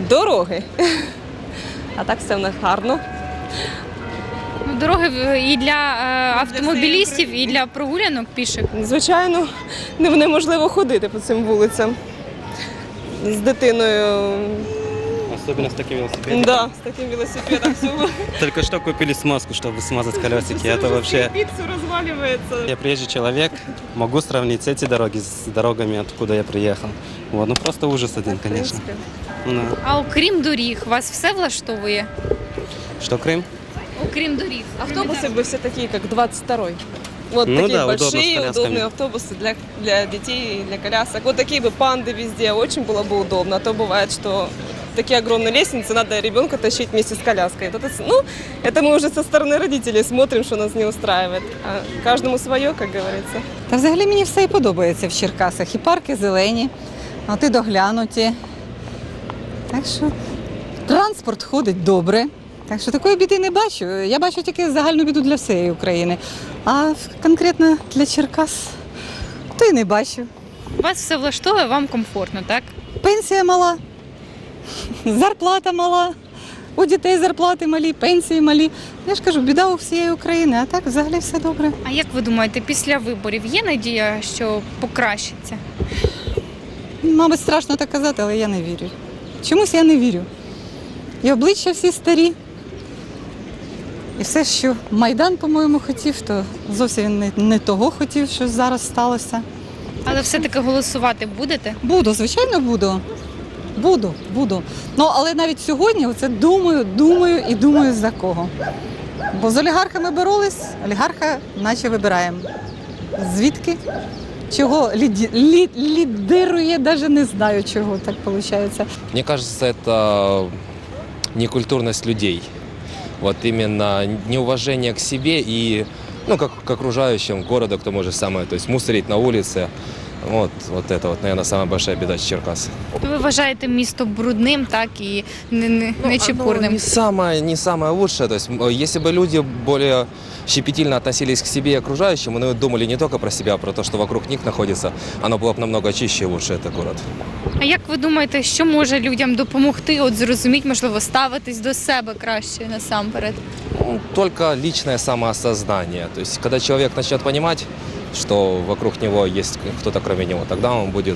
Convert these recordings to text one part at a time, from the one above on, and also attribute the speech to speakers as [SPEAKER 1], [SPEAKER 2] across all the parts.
[SPEAKER 1] Дороги. А так все в нас гарно.
[SPEAKER 2] Дороги і для автомобілістів, і для прогулянок піших.
[SPEAKER 1] Звичайно, неможливо ходити по цим вулицям з дитиною.
[SPEAKER 3] Особенно с таким велосипедом.
[SPEAKER 1] Да, з таким велосипедом всього.
[SPEAKER 3] Только что купили смазку, чтобы смазать колесики. Это вообще...
[SPEAKER 1] Все розвалюється.
[SPEAKER 3] Я приезжий человек, могу сравнить эти дороги с дорогами, откуда я приехал. Вот, ну просто ужас один, конечно. Ну,
[SPEAKER 2] А окрім доріг, вас все влаштовує?
[SPEAKER 3] что, Крым?
[SPEAKER 2] Окрім доріг.
[SPEAKER 1] Автобусы бы все такие, как 22-й. Вот
[SPEAKER 3] Ну
[SPEAKER 1] такие
[SPEAKER 3] да, удобно, с
[SPEAKER 1] большие,
[SPEAKER 3] колясками.
[SPEAKER 1] удобные автобусы для детей, для колясок. Вот такие бы панды везде, очень было бы удобно. А то бывает, что такие огромные лестницы, надо ребенка тащить вместе с коляской. Это мы уже со стороны родителей смотрим, что нас не устраивает. А каждому свое, как говорится.
[SPEAKER 4] Та взагалі мені все і подобається в Черкасах. І парки зелені, от і доглянуті. Так що транспорт ходить добре. Так що такої біди не бачу. Я бачу тільки загальну біду для всієї України. А конкретно для Черкас то й не бачу.
[SPEAKER 2] Вас все влаштовує, вам комфортно, так?
[SPEAKER 4] Пенсія мала, зарплата мала, у дітей зарплати малі, пенсії малі. Я ж кажу, біда у всієї України, а так взагалі все добре.
[SPEAKER 2] А як ви думаєте, після виборів є надія, що покращиться?
[SPEAKER 4] Мабуть, страшно так казати, але я не вірю. Чомусь я не вірю. І обличчя всі старі. І все, що Майдан, по-моєму, хотів, то зовсім він не того хотів, що зараз сталося.
[SPEAKER 2] Але все-таки голосувати будете?
[SPEAKER 4] Буду, звичайно, буду. Буду. Ну, але навіть сьогодні оце думаю за кого. Бо з олігархами боролись, олігарха наче вибираємо. Звідки? Чого лідирує, навіть не знаю, чого так виходить.
[SPEAKER 5] Мне кажется, это некультурность людей. Вот именно неуважение к себе и как к окружающим города, к тому же самое, то есть мусорить на улице. Вот это, наверное, самая большая беда Черкас.
[SPEAKER 2] Ви вважаєте місто брудним, так, і нечепурним?
[SPEAKER 5] Не самое лучшее. То есть, если бы люди более щепетильно относились к себе и окружающим, и думали не только про себя, а про то, что вокруг них находится, оно было бы намного чище и лучше, это город.
[SPEAKER 2] А як ви думаєте, що може людям допомогти, от зрозуміти, можливо, ставитись до себе краще насамперед?
[SPEAKER 5] Только личное самоосознание. То есть, когда человек начнет понимать, что вокруг него есть кто-то кроме него, тогда он будет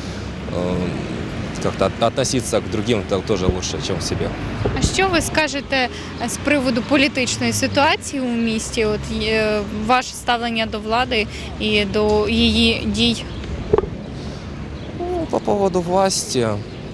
[SPEAKER 5] как-то относиться к другим тоже лучше, чем к себе.
[SPEAKER 2] А що ви скажете з приводу політичної ситуації у місті? От ваше ставлення до влади і до її дій?
[SPEAKER 5] По поводу власти,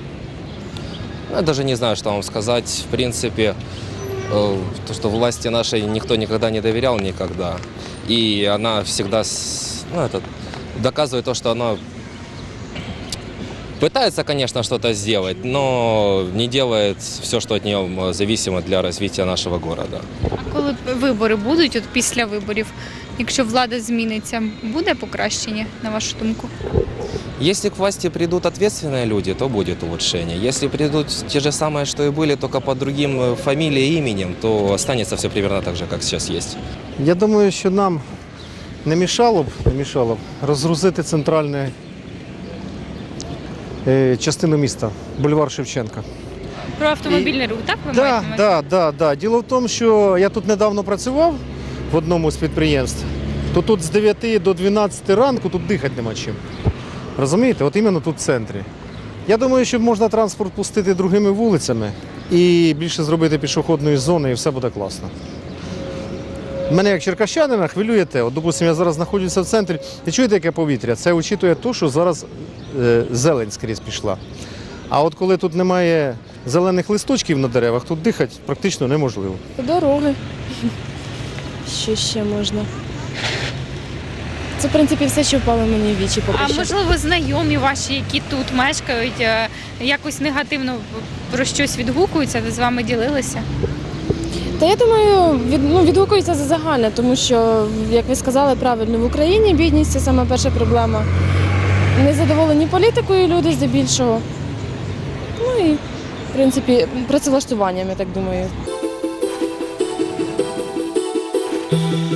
[SPEAKER 5] я даже не знаю, что вам сказать. В принципе, то, что власти нашей никто никогда не доверял никогда. И она всегда доказывает то, что она пытается, конечно, что-то сделать, но не делает все, что от нее зависимо для развития нашего города.
[SPEAKER 2] А коли вибори будуть, от після виборів, якщо влада зміниться, буде покращення, на вашу думку?
[SPEAKER 5] Если к власти придут ответственные люди, то будет улучшение. Если придут те же самые, что и были, только под другим фамилией и именем, то останется все примерно так же, как сейчас есть.
[SPEAKER 6] Я думаю, що нам не мішало б розгрузити центральну частину міста, бульвар Шевченка.
[SPEAKER 2] Про автомобільний рух, так ви маєте на увазі?
[SPEAKER 6] Да. Діло в тому, що я тут недавно працював в одному з підприємств, то тут з 9 до 12 ранку тут дихати нема чим. Розумієте? От іменно тут в центрі. Я думаю, що можна транспорт пустити другими вулицями і більше зробити пішохідної зони, і все буде класно. Мене як черкащанина хвилює те. От, допустим, я зараз знаходжуся в центрі. І чуєте, яке повітря? Це учитує те, що зараз зелень скрізь пішла. А от коли тут немає зелених листочків на деревах, тут дихати практично неможливо.
[SPEAKER 7] Дороги. Що ще можна? Це, в принципі, все, що впало мені в вічі поки
[SPEAKER 2] А
[SPEAKER 7] що.
[SPEAKER 2] можливо, знайомі ваші, які тут мешкають, якось негативно про щось відгукуються, ви з вами ділилися?
[SPEAKER 7] Та я думаю, відгукується за загальне, тому що, як ви сказали правильно, в Україні бідність – це саме перша проблема. Незадоволені політикою люди здебільшого. Ну і, в принципі, працевлаштуванням, я так думаю.